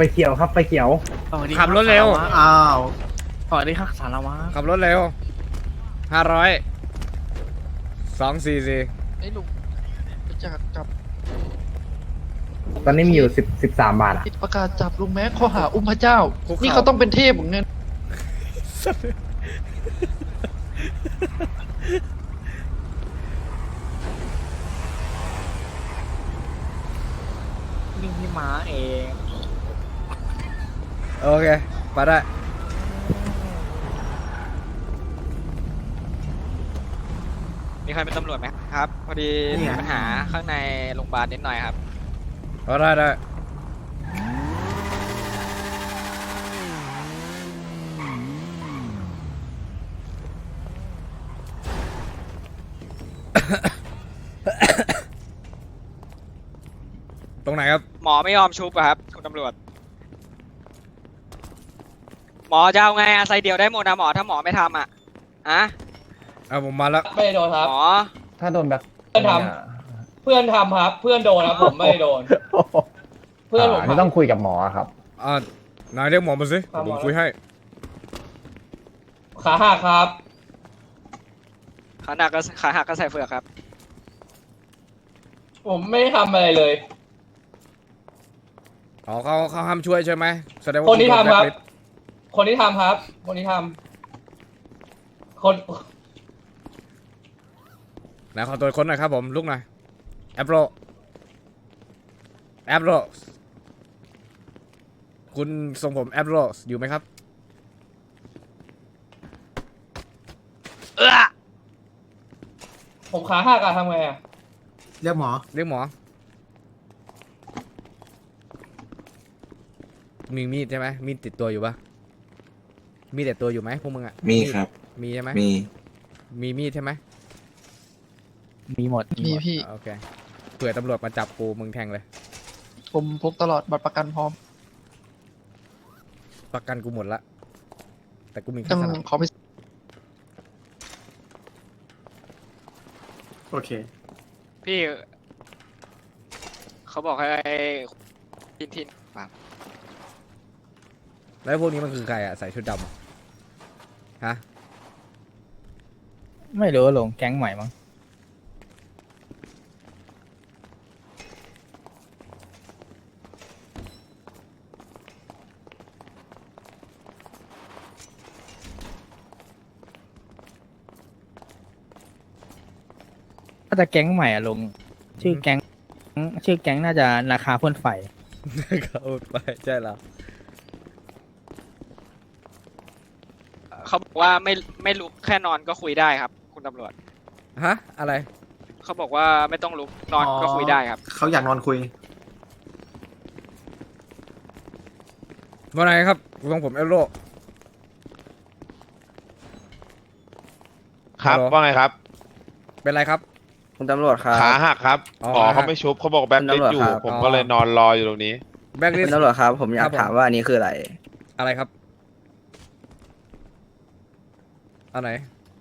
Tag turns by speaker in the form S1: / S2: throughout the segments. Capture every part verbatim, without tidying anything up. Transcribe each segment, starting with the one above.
S1: เขียวครับไฟเขียว
S2: ขับรถเร็ว
S3: อ้าว
S2: สวัสดีครับสารวัตร
S4: ขับรถเร็วห้าร้อยสองสี่สี่
S5: ไอ้ลุงจะจับ
S1: ตอนนี้มีอยู่สิบสิบสามบาทอ่ะ
S5: ติดประกาศจับลุงแม็กข้อหาอุ้มพระเจ้า นี่เขาต้องเป็นเทพของเงิน
S2: นี่พี่ม้าเอง
S4: โอเคไปได้
S6: มีใครเป็นตำรวจไหมครับ พอดีมีปัญหาข้างในโรงพยาบาลนิดหน่อยครับ
S4: เอาได้ได้ ตรงไหนครับ
S6: หมอไม่ยอมชุบอะครับคุณตำรวจ หมอจะเอาไงอะใส่เดียวได้หมดนะหมอถ้าหมอไม่ทำอะอะ
S4: เอาผมมาแล้ว
S7: ไม่ได้โดนครับ
S6: หมอ
S1: ถ้าโดนแบบ
S7: เพื่อนทำเพื่อนทำครับ เพื่อนโดนครับผมไม่ได้โดน เพื่อนผม
S1: ไม่ต้องคุยกับหมอครับ
S4: อ่านายเรียกหมอมาสิเดี๋ยวผมคุยให้
S7: ขาหักครับ
S6: ขาหนักก็ขาหักก็ใส่เฟือกครับ
S7: ผมไม่ได้ทำอะไรเลย
S4: อ๋อเขาเขาห้ามช่วยใช่ไหมแสดงว่า
S7: คนที่
S4: ณโด
S7: ทำครับ
S4: แล็ลิสต์
S7: คนที่ทำครับ คนที่ทำคน
S4: ไหนขอตัวคนหน่อยครับผมลุกหน่อยแอปโรแอปโรคุณทรงผมแอปโรอยู่ไหมครับ
S6: เออ
S7: ผมขาหักอะทำไงอะ
S3: เรียกหมอ
S4: เรียกหมอมีมีดใช่ไหมมีดติดตัวอยู่ปะมีดติดตัวอยู่ไหมพวกมึงอ่ะ
S8: มีครับ
S4: มีใช่ไหม
S8: มี
S4: มีมีดใช่ไหม
S2: มีหมด
S5: มีพี่
S4: โอเคเผื่อตำรวจมาจับกูมึงแทงเลย
S5: ผมพกตลอดบัตรประกันพร้อม
S4: ประกันกูหมดละแต่กูมี
S5: ต้
S4: ค่า
S5: อง
S4: สนับ
S5: ขอไป
S3: โอเค
S6: พี่ เขาบอกให้ทินทินปาก
S4: แล้วพวกนี้มันคือใครอ่ะใส่ชุดดำอะฮะ
S2: ไม่รู้ลงแก๊งใหม่มั้ง ถ้าจะแก๊งใหม่อะลงชื่อแก๊งชื่อแก๊งน่าจะราคาพ่นไฟ
S4: เขาไปใช่เหรอ
S6: เขาบอกว่าไม่ไม่ลุกแค่นอนก็คุยได้ครับ คุณตำรวจ
S4: ฮะอะไร
S6: เขาบอกว่าไม่ต้องลุกนอนก็คุยได้ครับ
S3: เขาอยากนอนคุย
S4: ว่าไงครับทรงผมแอปโร
S9: ครับ
S4: ฮัลโหล
S9: ว่าไงครับ
S4: เป็นไรครับ
S8: คุณตำรวจครับ
S9: ขาหักครับ
S4: อ๋อ
S9: หมอ
S4: ขาหั
S9: เขา
S4: ก
S9: ไม่ชุบเขาบอกแบ็คลิสต์อยู่
S8: ตำรวจครับ
S9: ผม
S4: อ๋อ
S9: ก็เลยนอนรออยู่ตรงนี้
S4: แบ็กลิ
S8: คุ
S4: ส
S8: ณตำรวจครับ ผมอยา
S4: ครั
S8: ก
S4: บผม
S8: ถามว่าอันนี้คืออะไร
S4: อะไรครับอันไหน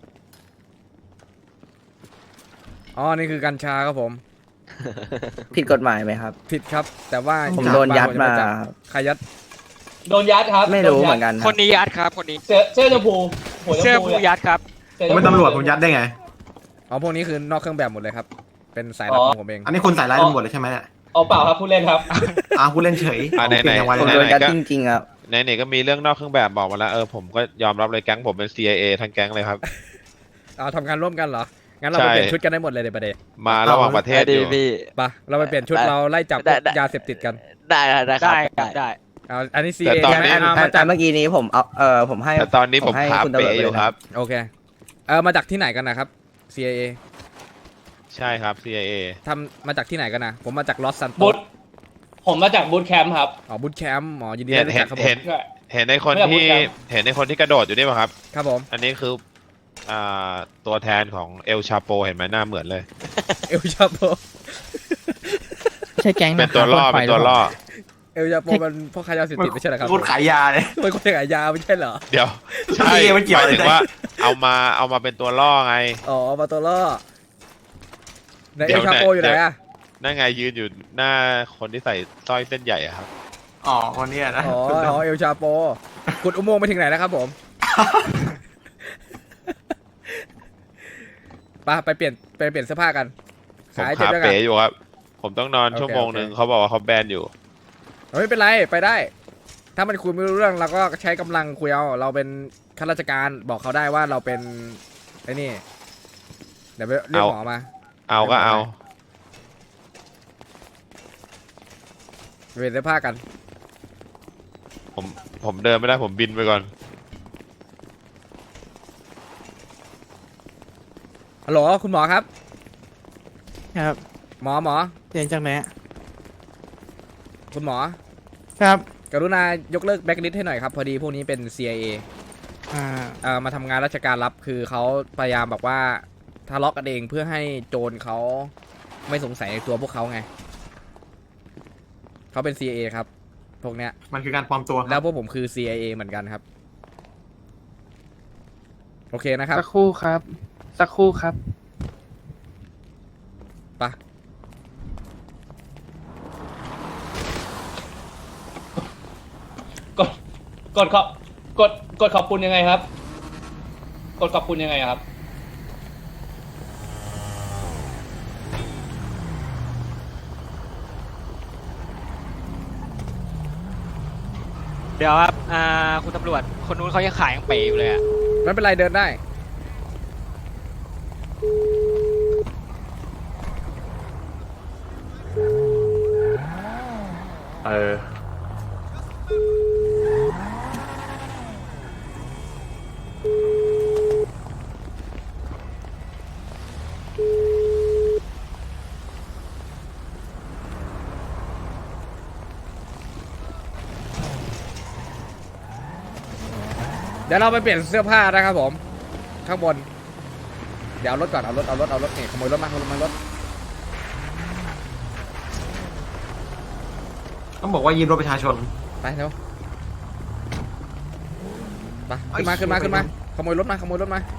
S4: อ๋อนี่คือกัญชาครับผม
S8: ผิดกฎหมายไหมครับ
S4: ผิดครับ แต่ว่า
S8: ผมโดนยัดมา
S4: จับใครยัด
S7: โดนยัดครับ
S8: ไม่รู้
S7: โดยัด
S8: เหมือนกันค
S6: ครับ นนี้ยัดครับ คนนี้
S7: เสื้อเสื้อชมพูหัวช
S6: เสื้อ
S7: มพู
S6: ผู้
S7: เนี่ย
S6: ยัดครับ
S7: สื้อ
S3: ผมเป็นตำรวจผมยัดได้ไง
S4: อ๋อพวกนี้คือนอกเครื่องแบบหมดเลยครับ เป็นสายลับของผมเอง
S3: อันนี้คุณใส่ร้ายตำรวจเลยใช่ไหมเนี่ย
S7: เอาเปล่าครับผู้เล่นครับ
S3: อ้าวคุณเล่นเฉย
S9: อ่ะไหนๆ
S3: เก่งจังวะ
S8: ผม
S3: เนี่ย
S8: โดนยัด
S9: ไหนๆก็
S8: จริงๆครับ
S9: ไหนๆก็มีเรื่องนอกเครื่องแบบบอกมาแล้วเออผมก็ยอมรับเลยแก๊งผมเป็น ซี ไอ เอ ทั้งแก๊งเลยครับ
S4: เอาทำงานร่วมกันเหรอ งั้นเรา
S9: ใช่
S4: ไปเปลี่ยนชุดกันได้หมดเลยในประเด็น
S9: มาระหว่างประเทศอยู่
S4: ปะเราไปเปลี่ยนชุดเราไล่จับพวกยาเสพติดกัน
S2: ได้ได้
S6: ได้ครับได้
S4: เอาอันนี้ซี
S9: แต่
S4: เอ
S9: ตอน
S4: ใช่ไหม
S9: นี้
S4: เอา
S8: อั
S4: มาน จาก
S8: เมื่อกี้นี้ผมเอาเออผมให้
S9: แต่ตอนนี้ผม
S8: ให้
S9: ขา
S8: คุณตำรวจ
S9: เป๋อยู่ครับ
S4: โอเค เออมาจากที่ไหนกันนะครับ ซี เอ
S9: ใช่ครับ ซี ไอ เอ
S4: ทำมาจากที่ไหนกันนะ ผมมาจากลอสซันโต
S7: บูธผมมาจากบูธแคมป์ครับ
S4: อ๋อบูธแคมป์หมอยินดี
S9: เห็น
S4: ได้รู้
S9: เห็
S4: จั
S9: น
S4: กครับผม
S9: เห็น
S7: ใช่
S9: เห็นในคน
S7: ไม่อยากพูด
S9: ที่
S7: ครับ
S9: เห็นในคนที่กระโดดอยู่นี่ป่ะครับ
S4: ครับผม
S9: อันนี้คืออ่าตัวแทนของเอลชาโปเห็นไหมหน้าเหมือนเลย
S4: เอลชาโป
S2: ไม่ใช่แก๊ง
S9: เป็นตัวล่อเป็นตัวล่อ
S4: เอลชาโปมันพ่อค้ายาเสพติดไม่ใช่เหรอครับ
S3: คุณขายยาเลย
S4: เป็นคนขายยาไม่ใช่เหรอ
S9: เดี๋ยวใช่
S3: พี่มันเกี่ยว
S9: ห
S3: อะไร
S9: มายถึงว่าเอามาเอามาเป็นตัวล่อไง
S4: อ๋อมาตัวล่อใน
S9: เดี๋
S4: เอ
S9: ยว
S4: ลชาโป
S9: ไหน
S4: อยู่ไหน
S9: เดี๋ยว
S4: อะ
S9: นั่นไงยืนอยู่หน้าคนที่ใส่สร้อยเส้นใหญ่อะครับ
S3: อ๋อคนเนี้ยนะ
S4: อ๋ออ๋อเอลชาโปขุดอุโมงค์ไปถึงไหนแล้วครับผม ไปไปเปลี่ยนไปเปลี่ยนเสื้อผ้ากัน
S9: ผม
S4: ขายเจ็บ
S9: ขา
S4: ด้วยกัน
S9: เป๋อยู่ครับ ผมต้องนอน
S4: โอเค
S9: ชั่วโมงหนึ่ง
S4: โอเค
S9: เขาบอกว่าเขาแบนอยู่
S4: ไม่เป็นไรไปได้ ถ้ามันคุยไม่รู้เรื่องเราก็ใช้กำลังคุยเอาเราเป็นข้าราชการบอกเขาได้ว่าเราเป็นไอ้นี่เดี๋ยวไปเรียกหมอมา
S9: เอาก็เอา
S4: เปลี่ยนเสื้อผ้ากัน
S9: ผมผมเดินไม่ได้ผมบินไปก่อน
S4: ฮัลโหลคุณหมอครับ
S2: ครับ
S4: หมอหมอ
S2: เรียนจากไหน
S4: คุณหมอ
S2: ครับ
S4: กรุณายกเลิกแบ็กลิสต์ให้หน่อยครับ พอดีพวกนี้เป็น ซี ไอ เอ
S2: อ่า
S4: เอ่อมาทำงานราชการรับคือเขาพยายามแบบว่าทะเลาะกันเองเพื่อให้โจรเขาไม่สงสัยในตัวพวกเขาไงเขาเป็น ซี ไอ เอ ครับ พวกเนี้ย
S3: มันคือการปลอมตัว
S4: แล้วพวกผมคือ ซี ไอ เอ เหมือนกันครับ โอเคนะครับ
S2: สักครู่ครับ สักครู่ครับ
S4: ไป
S7: กดกดขอบกดกดขอบคุณยังไงครับ กดขอบคุณยังไงครับ
S6: เดี๋ยวครับอ่าคุณตำรวจคนนู้นเขายังขายยังเป๋อยู่เลยอะ
S4: ไม่เป็นไรเดินได้
S1: เออ
S4: เดี๋ยวเราไปเปลี่ยนเสื้อผ้านะครับผม ข้างบน เดี๋ยวเอารถก่อนเอารถเอารถเอารถนี่ขโมยรถมาขโมยรถ
S3: ต้องบอกว่ายืมรถประชาชน
S4: ไปเร็วไปขึ้นมาขึ้นมาขึ้นมาขโมยรถมาขโมยรถมา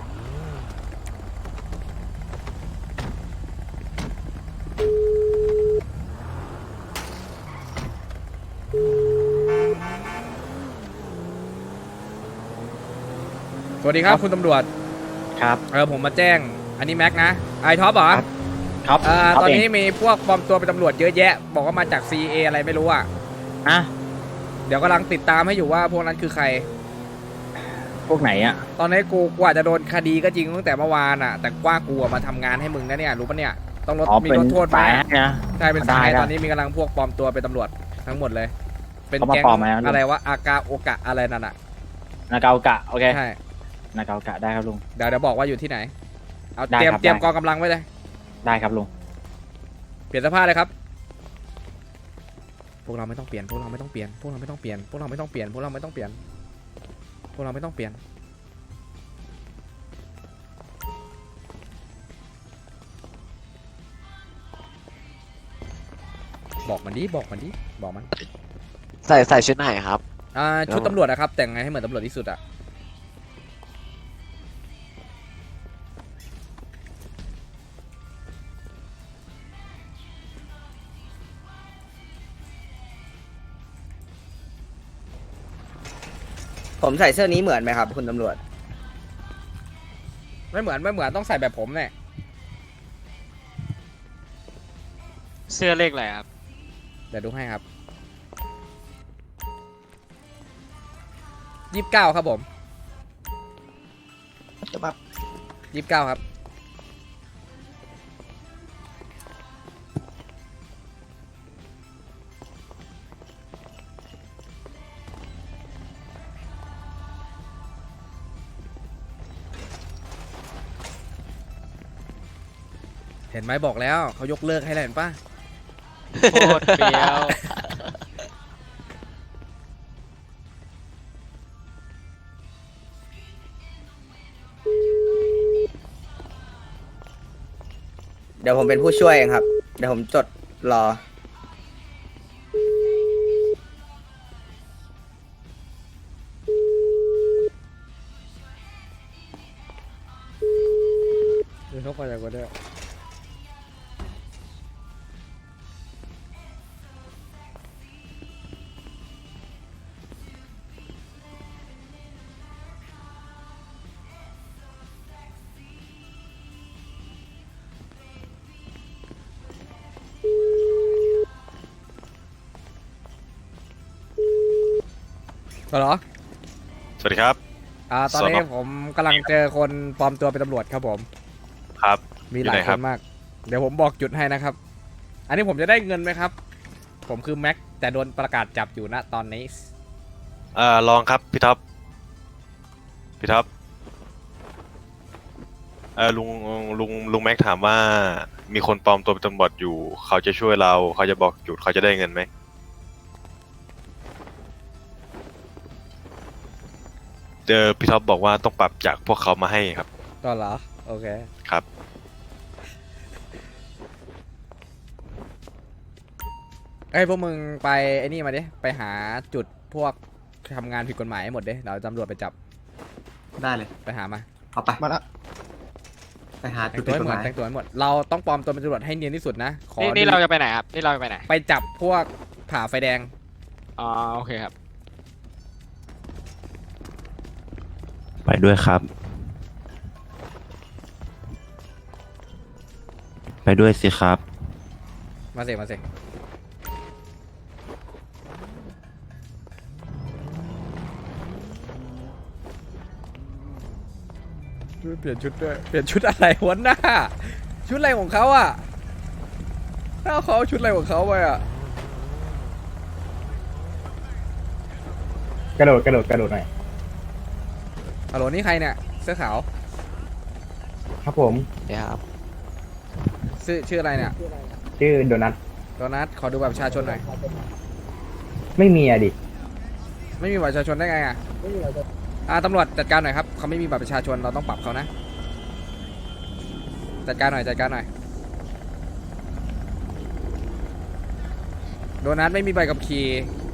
S4: สวัสดีครับคุณตำรวจ
S1: ครับ
S4: เออผมมาแจ้งอันนี้แม็กนะไอท็อปเหรอ
S1: ครับ
S4: เอ่อ
S1: ครับ
S4: ตอนนี้
S1: เอง
S4: มีพวกปลอมตัวเป็นตำรวจเยอะแยะ บอกว่ามาจาก ซี เอ อะไรไม่รู้อ่ะ
S2: อ่ะ
S4: เดี๋ยวกำลังติดตามให้อยู่ว่าพวกนั้นคือใคร
S2: พวกไหนอ่ะ
S4: ตอนนี้กูกว่าจะโดนคดีก็จริงตั้งแต่เมื่อวานอ่ะ แต่กว่ากูอะมาทำงานให้มึงนะเนี่ยรู้ปะเนี่ยต้องลด
S2: อ๋อ
S4: มี
S2: เป็น
S4: ลดโทษไหม
S2: สายให้นะ
S4: ใช่เป็น
S2: ได้
S4: สาย
S2: ได้
S4: ตอนนี้มีกำลังพวกปลอมตัวเป็นตำรวจทั้งหมดเลย เป็น
S2: เขามา
S4: แก๊ง
S2: ปลอมไหมครับ
S4: อะไรวะอากาโอกะอะไรนั่นอ่ะ
S2: นาเกากะ โอเค
S4: ใช่
S2: นาเกากะได้ครับลุง
S4: เดี๋ยวเดี๋ยวบอกว่าอยู่ที่ไหนเอา
S2: ได้
S4: เตรียม
S2: ครับ
S4: เตรียม
S2: ได้
S4: กองกำลังไว้เลย
S2: ได้ครับลุง
S4: เปลี่ยนเสื้อผ้าเลยครับพวกเราไม่ต้องเปลี่ยนพวกเราไม่ต้องเปลี่ยนพวกเราไม่ต้องเปลี่ยนพวกเราไม่ต้องเปลี่ยนพวกเราไม่ต้องเปลี่ยนพวกเราไม่ต้องเปลี่ยนบอกมันดิบอกมันดิบอกมัน
S10: ใส่ใส่ชุดไหนครับ
S4: อ่าชุดตำรวจนะครับ แต่งไงให้เหมือนตำรวจที่สุดอะ
S8: ผมใส่เสื้อนี้เหมือนไหมครับ คุณตำรวจ
S4: ไม่เหมือนไม่เหมือนต้องใส่แบบผมเนี่ย
S6: เสื้อเลขอะไรครับ
S4: เดี๋ยวดูให้ครับยี่สิบเก้าครับผมยี่สิบเก้าครับเห็นไหมบอกแล้วเขายกเลิกให้แล้วเห็นปะ
S6: โคตรเปรี้ยว
S8: เดี๋ยวผมเป็นผู้ช่วยเองครับ เดี๋ยวผมจดรอ
S4: เดี๋ยวเขาไปจากวันเดียวเหรอ
S11: สวัสดีครับ
S4: อ่าตอนนี้
S11: สน
S4: ผมกำลังเจอคนปลอมตัวเป็นตำรวจครับผม
S11: ครับ
S4: มีหลาย
S11: อยู่ไหน
S4: ค
S11: ครั
S4: น
S11: บ
S4: มาก เดี๋ยวผมบอกจุดให้นะครับ อันนี้ผมจะได้เงินไหมครับ ผมคือแม็กแต่โดนประกาศจับอยู่ณตอนนี้
S11: เอ่อลองครับพี่ท็อปพี่ท็อปเออลุงลุงลุงแม็กถามว่ามีคนปลอมตัวเป็นตำรวจอยู่ เขาจะช่วยเราเขาจะบอกจุดเขาจะได้เงินไหมเจอพี่ท็อปบอกว่าต้องปรับจากพวกเขามาให้ครับ
S4: ก็เหรอ โอเค
S11: ครับ
S4: เอ้ยพวกมึงไปไอ้นี่มาดิ ไปหาจุดพวกทำงานผิดกฎหมายให้หมดดิเดี๋ยวตำรวจไปจับ
S3: ได้เลย
S4: ไปหามา
S3: เอาไป
S5: มาละ
S3: ไปหา
S4: แต่
S3: จุ
S4: ง
S3: ด
S4: ตัว
S3: ผิด
S4: ให้
S3: กฎ
S4: หม
S3: ห
S4: ด
S3: มาย
S4: แต่งตัวให้หมด เราต้องปลอมตัวเป็นตำรวจให้เนียนที่สุดนะ ขอ
S6: นี่นี่
S4: ดู
S6: เราจะไปไหนครับ นี่เราจะไปไหน
S4: ไปจับพวกผ่าไฟแดง
S6: อ๋อ โอเคครับ
S9: ไปด้วยครับ ไปด้วยสิครับ
S4: มาสิมาสิเปลี่ยนชุดด้วย เปลี่ยนชุดอะไรวะหน้า ชุดอะไรของเขาอ่ะหน้าเขาเอาชุดอะไรของเขาไปอ่ะ
S1: กระโดดกระโดดกระโดดหน่อย
S4: ฮัลโหลนี่ใครเนี่ย เสื้อขาว
S1: ครับผม
S10: เดี๋ยวครับ
S4: ชื่อชื่ออะไรเนี่ย
S1: ชื่อโดนัท
S4: โดนัทขอดูบัตรประชาชนหน่อย
S1: ไม่มีอะดิ
S4: ไม่มีบัตรประชาชนได้ไงอ่ะอ่าตำรวจจัดการหน่อยครับเขาไม่มีบัตรประชาชนเราต้องปรับเขานะ จัดการหน่อยจัดการหน่อย โดนัทไม่มีใบขับขี่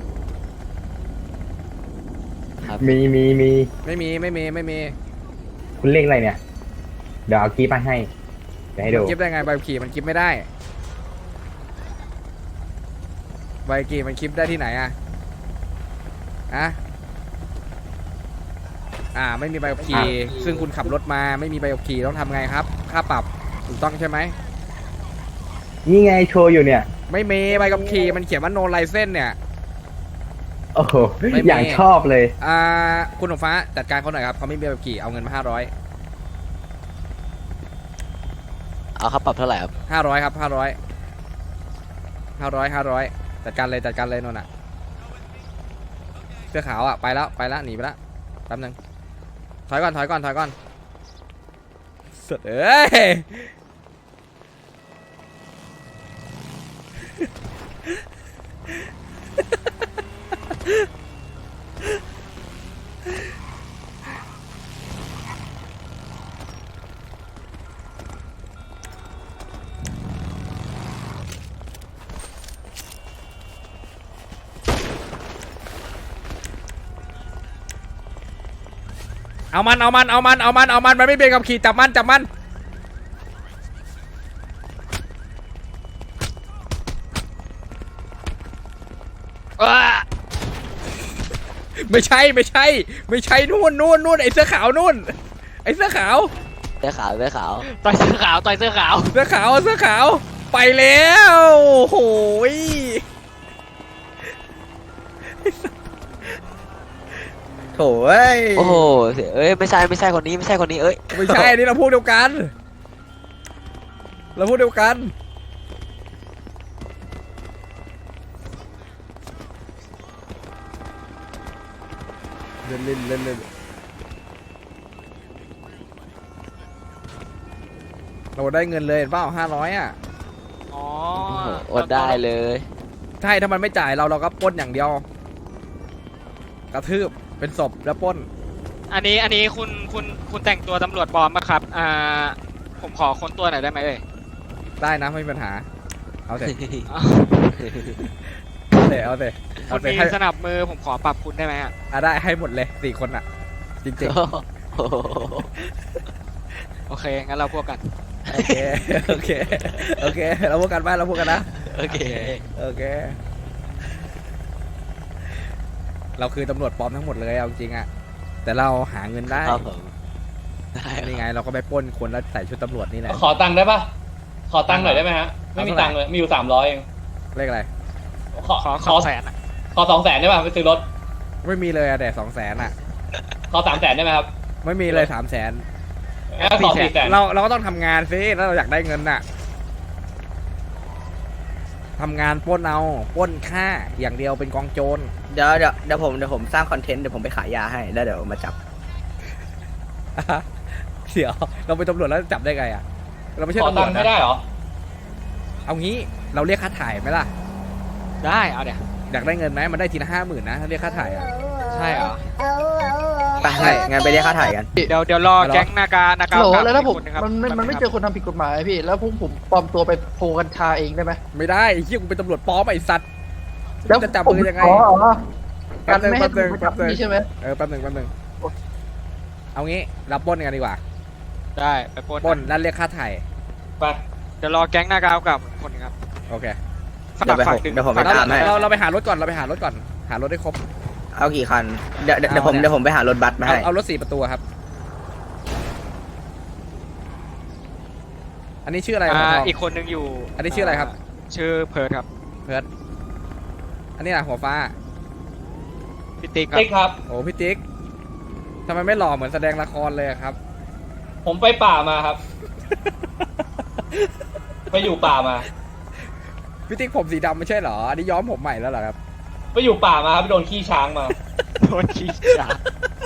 S1: มีมีมี
S4: ไม่มีไม่มีไม่มี
S1: คุณเลขอะไรเนี่ย เดี๋ยวเอาคีย์มาให้ เดี๋ยวให้ดู
S4: มันกิฟได้ไงใบขับขี่มันกิฟไม่ได้ใบขับขี่มันกิฟได้ที่ไหนอ่ะอะอ่าไม่มีใบขับขี่ซึ่งคุณขับรถมาไม่มีใบขับขี่ต้องทำไงครับค่าปรับถูกต้องใช่ไหม
S1: นี่ไงโชว์อยู่เนี่ย
S4: ไม่มีใบขับขี่มันเขียนว่า no license เนี่ย
S1: โอ้โห
S4: ไม่มี
S1: อย่างชอบเลย
S4: อ่าคุณหนุ่มฟ้าจัดการเขาหน่อยครับเขาไม่มีใบขับขี่เอาเงินมาห้าร้อย
S10: เอาครับปรับเท่าไหร่ครับ
S4: ห้าร้อยครับห้าร้อยห้าร้อยห้าร้อยจัดการเลยจัดการเลยนนท์อ่ะเสื้อขาวอ่ะไปแล้วไปแล้วหนีไปแล้วแป๊บนึงถอยก่อนถอยก่อนถอยก่อนสุดเอ้ยเอามันเอามันเอามันเอามันเอามันมันไม่เป็นกับขี่จับมันจับมันไม่ใช่ไม่ใช่ไม่ใช่นู่นนู่นนู่นไอ้เสื้อขาวนู่นไอ้เสื้อขาว
S10: เสื้อขาวเสื้อขาว
S6: ต่อยเสื้อขาว ต่อยเสื้อขาว
S4: เสื้อขาวเสื้อขาวไปแล้วโอ้ย
S8: โถ่เอ้ย
S10: โอ้โหเอ้ยไม่ใช่ไม่ใช่คนนี้ไม่ใช่คนนี้เอ้ย
S4: ไม่ใช่อันนี้เราพูดเดียวกันเราพูดเดียวกันเล่นเล่นเล่นเล่นเราได้เงินเลยเห็นเปล่าห้าร้อยอ่ะ
S6: อ๋อ
S10: โอ้โหอดได้เลย
S4: ใช่ถ้ามันไม่จ่ายเราเราก็ปล้นอย่างเดียว กระทืบเป็นศพแล้วปล้น
S6: อันนี้ อันนี้คุณคุณคุณแต่งตัวตำรวจปลอมปะครับ อ่า ผมขอค้นตัวหน่อยได้ไหมเอ่ย
S4: ได้นะไม่มีปัญหา เอาเถอะ
S6: อ๋อ
S4: เอาเถอะเอาเถอะ
S6: คุ
S4: เอา
S6: ณ
S4: เถอะ
S6: มี
S4: ให้
S6: สนับมือผมขอปรับคุณได้ไหมอ่ะ
S4: อ่ะได้ให้หมดเลยสี่คนอ่ะ จริง
S10: โอ้โห
S6: โอเค งั้นเราพวกกัน
S4: ๆ โอเค โอเค โอเค เราพูดกันบ้านเราพูดกันนะ
S10: โอเค
S4: โอเค เราคือตำรวจปลอมทั้งหมดเลยเอาจริงอะแต่เราหาเงินได้
S10: ครับผมได้ครับ
S4: นี่ไงเราก็ไปปล้นคนแล้วใส่ชุดตำรวจนี่แหละ
S7: ขอตังค์ได้ปะขอตังค์หน่อยได้ไหมฮะ ไม่มีตังค์เลย มีอยู่สามร้อยเอง
S4: เลขอะไร
S7: ขอ
S6: ขอ
S7: ข
S6: ข
S7: อ
S6: อแสนอ่ะ
S7: ขอสองแสนได้ปะไปซื้อรถ
S4: ไม่มีเลยอะแต่สองแสนอะ
S7: ขอสามแสนได้ไหมครับ
S4: ไม่มีเลยสามแสน
S7: งั้นขอสี่แสน
S4: เราเราก็ต้องทำงานสิแล้วเราอยากได้เงินน่ะทำงานปล้นเอาปล้นฆ่าอย่างเดียวเป็นกองโจร
S8: เดี๋ยวเดี๋ยวเดี๋ยวผมเดี๋ยวผมสร้างคอนเทนต์เดี๋ยวผมไปขายยาให้แล้วเดี๋ยวมาจับ
S4: เดี๋ยวเราเป็นตำรวจแล้วจับได้ไงอะเราไม่ใช่
S7: ขอ
S4: ตำร
S7: ตั
S4: ว
S7: ง
S4: จ
S7: ค์
S4: นะ
S7: ไม่ได้เหรอ
S4: เอางี้เราเรียกค่าถ่ายไหมล่ะ
S6: ได้เอาเดี๋ยว
S4: อยากได้เงินไหมมันได้ทีละห้าหมื่นนะถ้าเรียกค่าถ่ายอะ
S6: ใช่เหรอ
S8: ไปงั้นงั้นไปเรียกค่าถ่ายกัน
S6: เดี๋ยวเดี๋ยวรอแก๊งนากานากา
S5: โหล
S6: กับ
S5: แล้วถ้าผม
S6: อีกคนนึงครับ
S5: มันไม่มันไม่เจอคนทำผิดกฎหมายพี่ แล้วผมผมปลอมตัวไปโพกัญชาเองได้ไหม
S4: ไม่ได้ไอ้เหี้ยกูเป็นตำรวจปลอมไอ้สัตว์
S5: แล้ว
S4: จะจับมือยังไง
S5: อ๋ออ๋อ
S4: แป๊
S5: กับ น
S4: นึง
S5: ไม่ให้
S4: แป๊บนึง
S5: ถูก
S4: แป๊บนึง
S5: นี่ใช่ไหม
S4: เออแป๊บหนึ่งแป๊บหนึ่งเอางี้รับปล้นกันดีกว่า
S6: ได้ไปปล้น
S4: ปล้นแล้วเรียกค่าถ่าย
S7: ไป
S6: เดี๋ยวรอแก๊งนากากับอีกคนนึงครับ
S4: โอเค
S6: ฝาก
S8: เดี๋ยวไป
S6: ฝาก
S8: ผม
S6: ดึง
S8: เดี๋ยวผมไป
S4: เรา
S8: ตามให้
S4: เราเราไปหารถก่อนเราไปหารถก่อนหารถได้ครบ
S8: เอากี่คันเดี๋ยวเดี๋ยวเดี๋ยวผม
S4: เอาเนี่ย
S8: เดี๋ยวผมไปหารถบัสมา
S4: เอา
S8: ให้
S4: เอารถสี่ประตูครับ อันนี้ชื่ออะไร
S6: อ่า
S4: หัวทอง
S6: อีกคนนึงอยู่
S4: อันนี้ชื่ออะไรครับ
S6: ชื่อเพิร์ดครับ
S4: เพิร์ดอันนี้นะหัวฟ้า
S6: พี่ติ๊กครับ
S7: ติ๊กครับ
S4: โอ้พี่ติ๊กทำไมไม่หล่อเหมือนแสดงละครเลยอะครับ
S7: ผมไปป่ามาครับ ไปอยู่ป่ามา
S4: พี่ติ๊กผมสีดำไม่ใช่เหรออันนี้ย้อมผมใหม่แล้วเหรอครับ
S7: ไปอยู่ป่ามาครับไปโดนขี้ช้างมา
S6: โดนขี้ฉา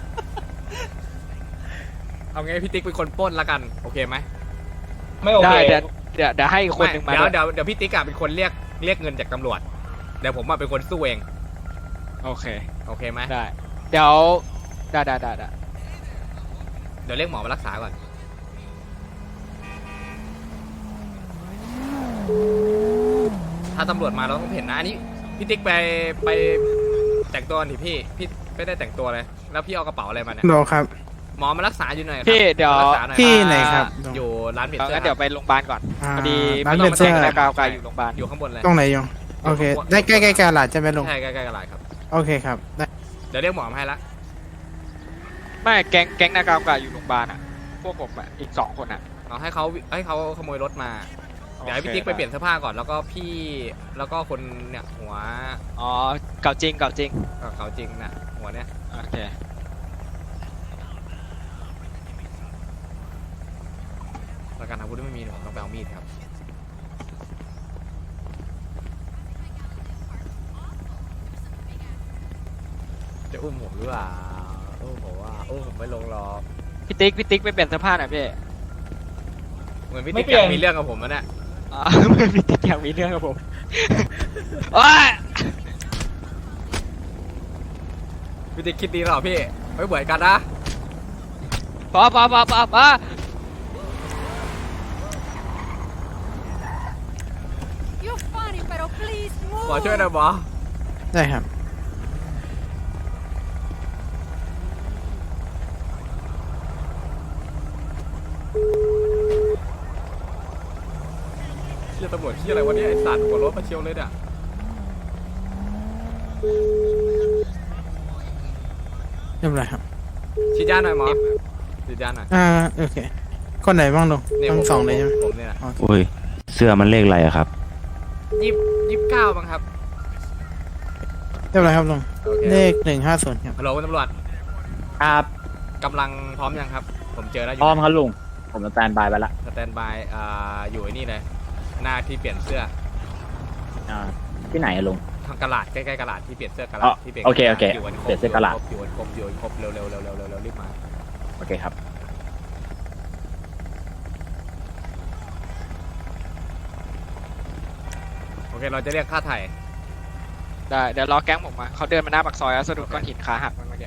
S4: เอาไงพี่ติ๊กเป็นคนปล้นละกันโอเคไหม
S7: ไม่โอเค
S6: ได้เดี๋ยวเดี๋ยวเดี๋ยวให้อีกคนนึงมา
S4: เดี๋ยว
S6: ด้วย
S4: เดี๋ยวเดี๋ยวพี่ติ๊กอะเป็นคนเรียกเรียกเงินจากตำรวจเดี๋ยวผมอะเป็นคนสู้เอง
S6: โอเค
S4: โอเคไหม
S6: ได้ เดี๋ยวได้ได้ได้ได้
S4: เดี๋ยวเรียกหมอมารักษาก่อนถ้าตำรวจมาเราต้องเห็นนะอันนี้พี่ติ๊กไปไปแต่งตัวนี่พี่พี่ไม่ได้แต่งตัวเลยแล้วพี่เอากระเป๋าอะไรมาเนี่ย
S2: โลครับ
S4: หมอมารักษาอยู่หน่อยครับ
S6: พี่เดี๋ยว
S4: มารักษาหน่อย
S2: พี่ไหนครับ
S4: อยู่ร้านเปลี่ยน
S6: เอา
S4: เสื้อ
S6: งั้นเดี๋ยวไปโรงพยาบาลก่อน
S2: อ่า
S6: พอดี
S2: ร้าน
S6: ไม่
S2: เปลี่
S6: ต้
S2: ย
S6: อน ง
S2: เสื้อ
S6: มาแจ้งนากาวกายอยู่โรงพยาบาล
S4: อยู่ข้างบนเลย
S2: ตรงไหนยงโอเค ได้ใกล้ใกล้ๆกาลาดใช่ไหมลุง
S4: ใช่ใกล้ๆกระไรครับ
S2: โอเคครับได้
S4: เดี๋ยวเรียกหมอมาให้ละ
S6: ไม่แก๊งแก๊งนากาวกายอยู่โรงพยาบาลอ่ะ พวกผมอ่ะอีกสองคนอ่ะ
S4: เอาให้เขาให้เขาขโมยรถมา เดี๋ยวให้พี่ติ๊กไปเปลี่ยนเสื้อผ้าก่อนแล้วก็พี่แล้วก็คนเนี่ยหัว
S6: อ๋อเก่าจริงเก่าจริง
S4: เอ่อเขาจริงนะหัวเนี่ย
S6: โอเค
S4: ประกันอาวุธไม่มีผมต้องไปเอามีดครับจะอุ้มผมหรือเปล่าอุ้มผมว่าอุ้มผมไม่ลงหรอก
S6: พี่ติ๊กพี่ติ๊กไปเปลี่ยนเสื้อผ้าหน่อยพี่
S4: เหมือนพี่
S7: ไม่
S4: ติ๊ก
S7: เปลี่
S4: อย
S7: ยน
S4: ยากมีเรื่องกับผมนะเนี่ย
S6: อ๋อ ไม่พี่ติ๊กอยากมีเรื่องกับผมโอ้ย
S4: พี่ติ๊กคิดดีหรอพี่ไม่เหมือนกันนะ
S6: พอพอพอพอพอ
S4: หมอช่วยหน่อยหมอ
S2: ได้ครับ
S4: เชี่ยตำรวจเชี่ยอะไรวะเนี่ยไอ้สัตว์หัวรถมาเชียวเลยเนี่ย
S2: เรียบร้อยครับ
S4: ฉีดยาหน่อยหมอฉีดยาหน่อย
S2: อ่าโอเค คนไหนบ้างลุง
S4: เนี่ย
S2: ทั้
S4: ผม
S2: งสองเลยใช่ไหม
S4: ผมเนี่ยนะ
S12: อุ้ย เสื้อมันเลขอะไรอะครับ
S4: ยี่ยี่สิบเก้าบ้างครับ
S2: เรียบร้อยครับลุง
S4: โอเค
S2: เลขหนึ่งห้าศูนย์ครับ
S4: ฮัลโหลคุณตำรวจ
S1: ครับ
S4: กำลังพร้อมยังครับ ผมเจอแล้วอ
S1: พร้
S4: ยู่
S1: อมครับลุง ผมสแตนบายไปละ
S4: สแตนบายอ่าอยู่ไอ้นี่เลยหน้าที่เปลี่ยนเสื้อ
S1: อ่าที่ไหนอะลุง
S4: ทางกระดาษใกล้ๆกระดาษที่เปลี่ยนเสื้อกระ
S1: อ๋
S4: ดา
S1: อ
S4: ษที่เปลี่ยน
S1: โอเคโอเค
S4: อยู่กันครบ
S1: เปลี่ยนเสื้อกระดาษ
S4: อยู่กันครบอยู่กันครบเร็วๆเร็วๆเร็วๆเร็วๆรีบมา
S1: โอเคครับ
S4: โอเคเราจะเรียกค่าไถ่
S6: ได้เดี๋ยวรอแก๊งผมมาเขาเดินมาหน้าปากซอยแล้วสะดุดก้อนหินขาหักมันเมื่อกี้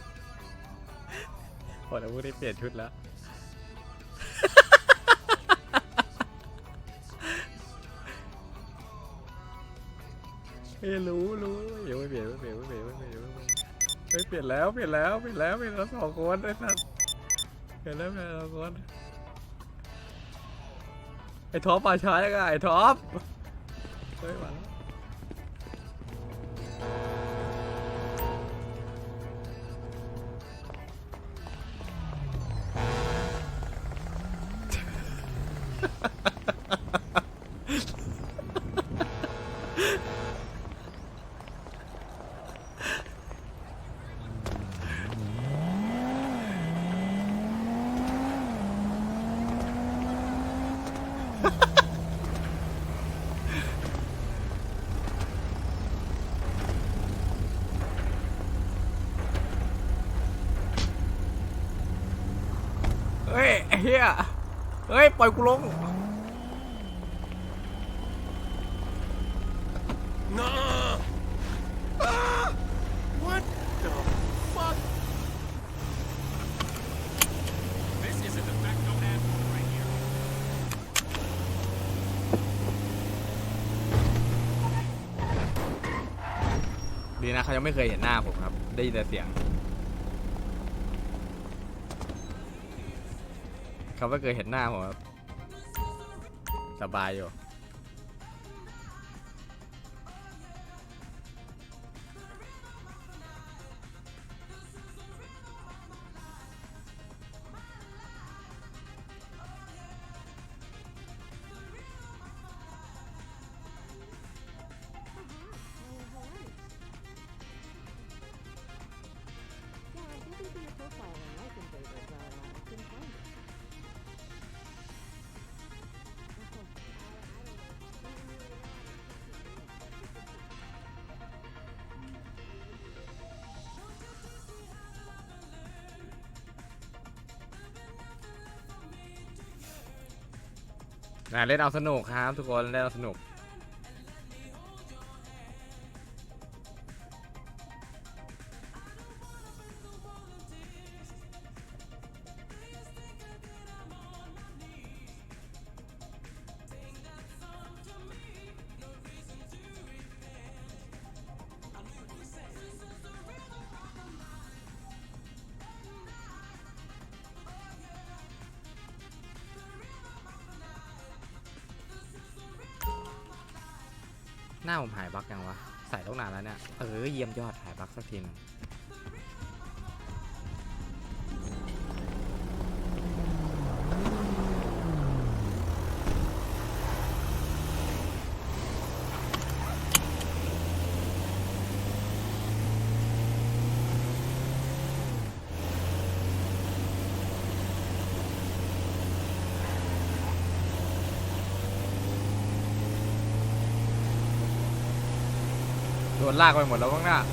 S4: โอ้แต่พวกนี้เปลี่ยนชุดแล้วเฮ้ยรู้รู้เดี๋ยวไม่เปลี่ยนไม่เปลี่ยนไม่เปลี่ยนไม่เปลี่ยนไม่เปลี่ยนเฮ้ยเปลี่ยนแล้วเปลี่ยนแล้วเปลี่ยนแล้วเปลี่ยนแล้วสองคนไอ้สัสเปลี่ยนแล้วเปลี่ยนแล้วสองคนไอ้ท็อปมาช้ายังไงไอ้ท็อปเฮ้ยมาแล้วเฮ้ยไอ้เหี้ยเฮ้ยปล่อยกูลงดีนะเขายังไม่เคยเห็นหน้าผมครับได้ยินแต่เสียงเขาไม่เคยเห็นหน้าผมครับสบายอยู่นะเล่นเอาสนุกครับทุกคนเล่นเอาสนุกหน้าผมหายบั๊กยังวะใส่ตั้งนานแล้วเนี่ยเออเยี่ยมยอดหายบั๊กสักทีนึงโดนลากไปหมดแล้วข้างหน้า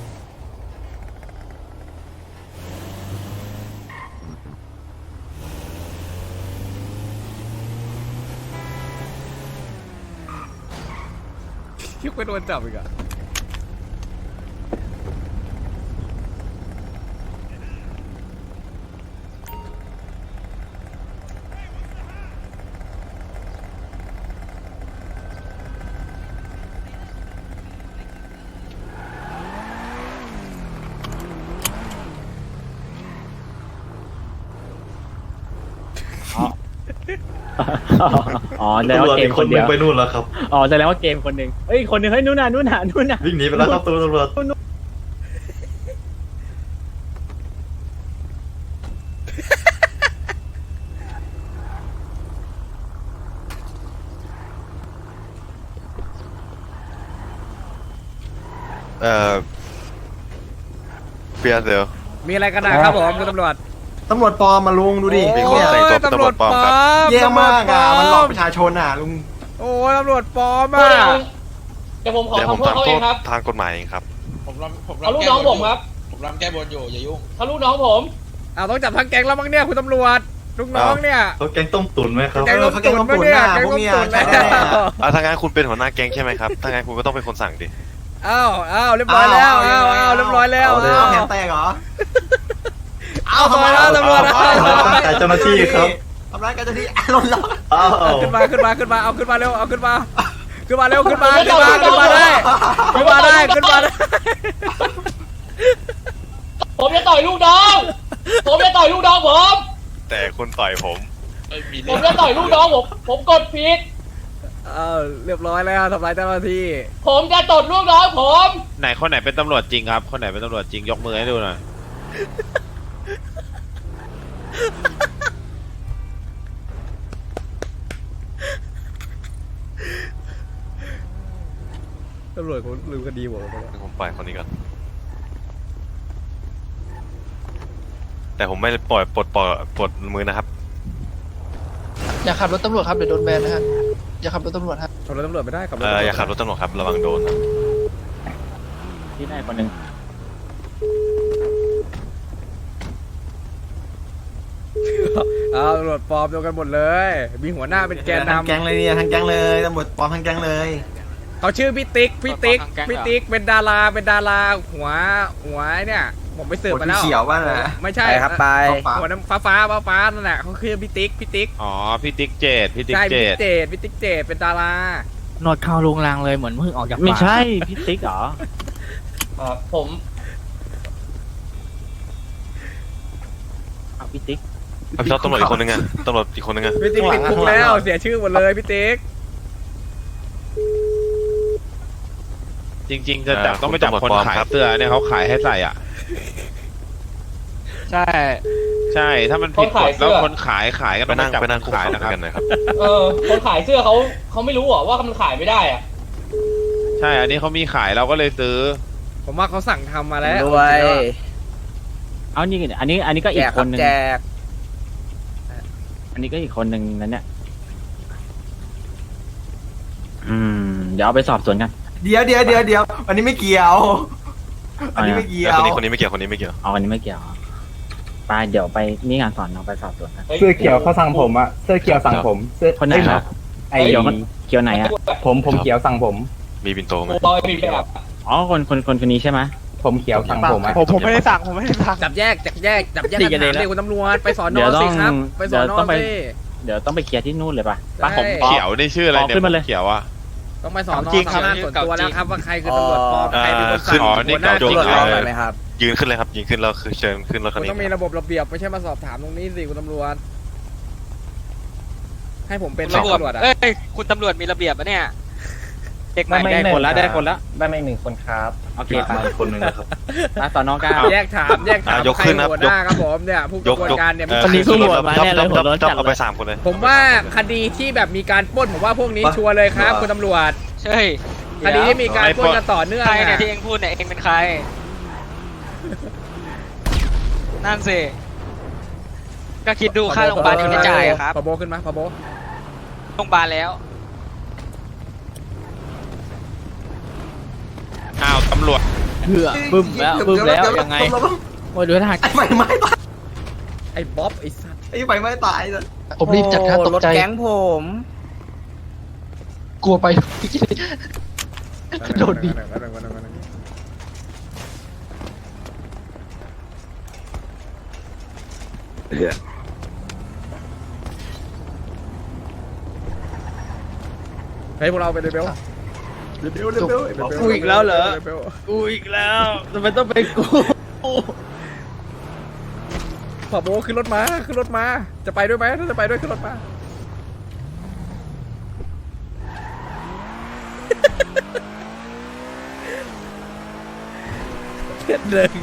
S4: คิดไปโดนจับอีกอะ
S12: อ๋อแสดงว่าเกมคนเดียว
S11: ไปนู่นแล้วครับ
S12: อ๋อแสดงว่าเกมคนหนึ่งเฮ้ยคนหนึ่งเฮ้ยนู่นน่ะนู่นน่ะนู่นน่ะ
S11: วิ่งหนีไปแล้วครับตัวตำรวจเอ่อเปียเดี๋ยว
S4: มีอะไรกันนะครับผมคุณตำรวจ
S3: ตำรวจปลอมมาลุงดูดิ
S11: มีคนแต่งตัวเป็นตำรวจปลอมครับ
S3: แย่มากอ่ะมันหลอกประชาชนอ่ะลุง
S4: โอ้ตำรวจปลอม
S7: เดี๋
S4: อ่ะ
S7: ยวเดี๋ยวผมขอ
S11: เดี๋ยวผม
S7: ทำโทษ
S11: ทำ
S7: เขา
S11: โท
S7: เอง
S11: ษ
S7: ครับ
S11: ทางกฎหมายเองครับ
S6: ผมรำผม
S7: เขา
S6: รำ
S7: ลูก
S6: แก้
S7: น้อง
S6: บ
S7: ผ
S6: น
S7: ม
S6: อยู่
S7: ครับ
S6: ผมรำแก้บนอยู่อย่ายุ่ง
S7: เขาลูกน้องผม
S4: อ้าวต้องจับทั้งแก๊งแล้วมั้งเนี่ยคุณตำรวจลูกน้องเนี่ย
S11: เขาแกงต้มตุ๋นไหมครับ
S4: แก๊งต้มตุ๋นปะเนี่ยแก๊งต้มตุ๋นแล้ว
S11: อ่าถ้างั้นคุณเป็นหัวหน้าแก๊งใช่ไหมครับ ถ้างั้นคุณก็ต้องเป็นคนสั่งดิ
S4: อ้าวอ้าวเรียบร้อยแล้วอ้าวอ้าวเรียบร้อยแล้ว
S11: เอาเลย
S4: อ้าว
S3: แขนแตกเหรอ
S4: เอาทำไมแล้วตำรวจ
S11: เอาเอาเจ้าหน้าที่ครับ
S3: ทำร้ายกันเจ้าหน้าที่หล่นแล้ว
S11: อ้าว
S4: ขึ้นมาขึ้นมาขึ้นมาเอาขึ้นมาเร็วเอาขึ้นมาขึ้นมาเร็วขึ้นมาขึ้นมาขึ้นมาได้ขึ้นมาได้ขึ้นมาได้
S7: ผมจะต่อยลูกน้อง ผมจะต่อยลูกน้องผม
S11: แต่คนต่อยผม
S7: ผมจะต่อยลูกน้องผม ผมกดผิด
S4: เออเรียบร้อยแล้วทำลายเจ้าหน้าที่
S7: ผมจะตดลูกน้องผม
S9: ไหนคนไหนเป็นตำรวจจริงครับ คนไหนเป็นตำรวจจริงยกมือให้ดูหน่อย
S4: ตำรวจเขาลืมคดีผมไปแล้ว
S11: ผมปล่อยคนนี้ก่อนแต่ผมไม่ปล่อยปลดปล่อยปลดมือนะครับ
S5: อย่าขับรถตำรวจครับเดี๋ยวโดนแบนนะฮะอย่าขับรถตำรวจฮะ
S4: ขับรถตำรวจไม่ได้ขับรถ
S11: เอออย่าขับรถตำรวจครับระวังโดนนะ
S12: ที่ไหนคนหนึ่ง
S4: เอาตำรวจปลอมโดนกันหมดเลย มีหัวหน้าเป็นแกน
S3: ทั้ง
S4: นำ
S3: แก๊งเลยเนี่ยทั้งแก๊งเลยตำรวจปลอมทั้งแก๊งเลย
S4: เขาชื่อพี่ติ๊กพี่ติ๊กพี่ติ๊กเป็นดาราเป็นดาราหัวหัวเนี่ยผมไปสืบมาแล้ว
S3: เขียวบ้างนะ
S4: ไม่ใช่
S8: ไปครับไป
S4: หัวน้ำฟ้าฟ้าฟ้าฟ้านั่นแหละเขาคือพี่ติ๊กพี่ติ๊ก
S9: อ๋อ พี่ติ๊กเจดพี่ติ๊ก
S4: ใช่
S9: เจ
S4: พี่
S9: ด
S4: เจดพี่ติ๊กเจดเป็นดารา
S2: หนวดเข้าลุงลังเลยเหมือนเพิ่งออกจาก
S12: ไม่
S2: ป่า
S12: ใช่พี่ติ๊กเหรอ
S7: อ่าผม
S12: เอาพี่ติ๊ก
S11: เอาพี่ท็อปตำรวจอีกคนนึงอะตำรวจอีกคนนึงอะ
S4: พี่ติ๊กติดคุกแล้วเสียชื่อหมดเลยพี่ติ๊ก
S9: จริง ๆ จะจับต้องไปจับคนขายเสื้อเนี่ยเขาขายให้ใส่อ่ะ
S2: ใช่
S9: ใช่ ถ้ามันผิดกฎแล้วคนขายขายกัน
S11: ไปนั่ง
S9: จับ
S11: ไปนั่งคุก
S9: ขาย
S11: เข่า
S9: นะ
S11: ด้
S9: คว รับ
S11: ยกันหน่อยครับ
S7: เออ คนขายเสื้อเขาเขาไม่รู้เหรอว่ามันขายไม่ได้อะ
S9: ใช่ อันนี้เขามีขายเราก็เลยซื้อ
S4: ผมว่าเขาสั่งทำมาแล้ว
S8: ด้วย
S12: เอานี่อันนี้อันนี้ก็
S8: แจ
S12: อี
S8: ก
S12: ก
S8: ค
S12: ครับ นหนึ่ง
S8: แจก
S12: อันนี้ก็อีกคนหนึ่งนั่นเนี่ยอืมเดี๋ยวเอาไปสอบสวนกัน
S3: เดี๋ยวเดี๋ยวเดี๋ยวเดี๋ยวอันนี้ไม่เกี่ยว อันนี้ไม่เกี่ยว
S11: คนนี้คนนี้ไม่เกี่ยวคนนี้ไม่เกี่ยว
S12: เอาอันนี้ไม่เกี่ยวไปเดี๋ยวไปนี่งานสอนเราไปสอบสวนกัน
S1: เสื้อเขียวเขาสั่งผมอะเสื้อเขียวสั่งผมเสื้อ
S12: คนไหนครับ
S1: ไอ้
S12: เกี่ยวมันเกี่ยวไหนอะ
S1: ผมผมเขียวสั่งผม
S11: มีบินโตไหม
S7: บอยมีแบบ
S12: อ๋อคนคนคนคนนี้ใช่ไหม
S1: ผมเขียวสั่งผมอะ
S8: ผมผมไม่ได้สั่งผมไม่ได้สั่ง
S4: จับแยกจับแยกจับแยก
S12: ตี
S4: กั
S12: กัน
S4: น
S12: เลย
S4: ถาม
S12: แล้ว
S4: เลยคุณตำรวจไปสอน
S12: เดี๋
S4: อ
S12: ยวต้
S4: สิ
S12: อง
S4: ครับไปสอน
S12: เดี๋ยว
S4: อ
S12: ต้องไป
S4: สิ
S12: เดี๋ยวต้องไปเคลียร์ที่นู่นเลยป่ะ
S4: ใช่
S9: ผมเขียวนี่ชื่ออะไรเนี่ย
S12: ขึ้นมาเลย
S9: ผมเขียวอ่ะ
S4: ต้องไปสอนอ
S8: จริงครับ
S4: ทำงานส่วนตัวแล้วครับว่าใครคือตำรวจปลอม
S11: อ๋อ
S4: ใครเป็นคน
S11: ขึ้
S4: สั่ง
S11: น
S9: อ๋อนี่
S4: หัวหน้า
S9: เก่า
S4: จ
S9: จ
S4: ริ
S9: ริ
S4: ง
S9: ง
S4: เหรอ
S8: ตำรวจรอหน่อยไหมครับ
S11: ยืนขึ้นเลยครับยืนขึ้นแล้วคือเชิญขึ้นรถคั
S4: คุ
S11: น
S4: ณ
S11: นี้
S4: ต้องมีระบบระเบียบไม่ใช่มาสอบถามตรงนี้สิคุณตำรวจ ให้ผมเป็น
S6: ตำรวจ
S4: ตำรวจอ่ะ
S6: เอ้ยคุณตำรวจมีระเบียบปะเนี่ยเด็กใหม่
S12: ได้คนละได้คนละ
S3: ได้ไม่หนึ่งคนครับ
S12: โอเคไป
S3: คนหนึ่งครับ
S12: มาสอนน้องก้าว
S4: แยกถามแยกถาม
S11: อ่ะยก
S4: ใคร
S11: ขึ้นครับ
S4: หัวหน้าครับผมเนี่ยผู้ก
S11: ย
S4: ระ
S11: ก
S4: บวน
S11: ยก
S4: การเนี่ย
S11: เอ่อ
S12: คนนี้
S11: ขึ้นรถ
S12: ตำรวจมา
S11: จ๊อบ
S12: แน่เลย
S11: จ๊อบ
S12: หัวร้อน
S11: จ๊อบ
S12: จัด
S11: เอาไปสามคนเลย
S4: ผมว่าคดีที่แบบมีการปล้นผมว่าพวกนี้ชัวร์เลยครับคุณตำรวจ
S6: ใช่
S4: คดีที่มีการปล้นกันต่อเนื่อง
S6: ใครเนี่ย
S4: อะ
S6: ที่เองพูดเนี่ยเองเป็นใคร นั่นสิก็คิดดูค่าโรงพยาบาลที่ไม่จ่ายอะครับ
S4: พอโบขึ้นมาพอโบ
S6: โรงพยาบาลแล้ว
S9: อ้าวตำรวจ
S2: เพื่อบึ้มแล้วบึ้มแล้วยังไงโอ้ยดูท่า
S3: ไอ้ไฟไหม้ตาย
S4: ไอ้บ๊อบไอ้สัตว์
S3: ไอ้ไฟไหม้ตายเลย
S5: ผมรีบจัดการตก
S8: รถ
S5: ใจ
S8: แก๊งผม
S5: กลัวไปโดนดี
S4: เฮ้ยพวกเราไปเลยเบล
S3: เร็วเร็วเร็วเร็ว
S2: กูอีกแล้วเหรอกูอีกแล้วทำไมต้องเป็นกู
S4: พอโบขึ้นรถมาขึ้นรถมา จะไปด้วยไหมถ้าจะไปด้วยขึ้นรถมาเพื่อนหนึ่ง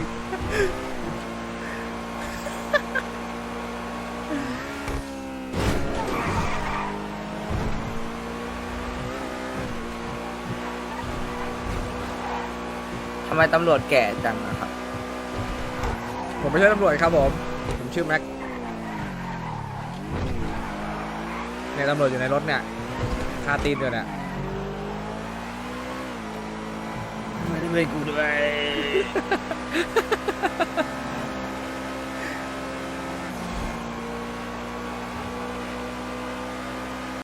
S8: ทำไมตำรวจแก่จังอะครับ
S4: ผมไม่ใช่ตำรวจครับผม ผมชื่อแม็กเนี่ยตำรวจอยู่ในรถเนี่ยคาตีนด้วยเนี่ย
S2: ไม่กูด้วย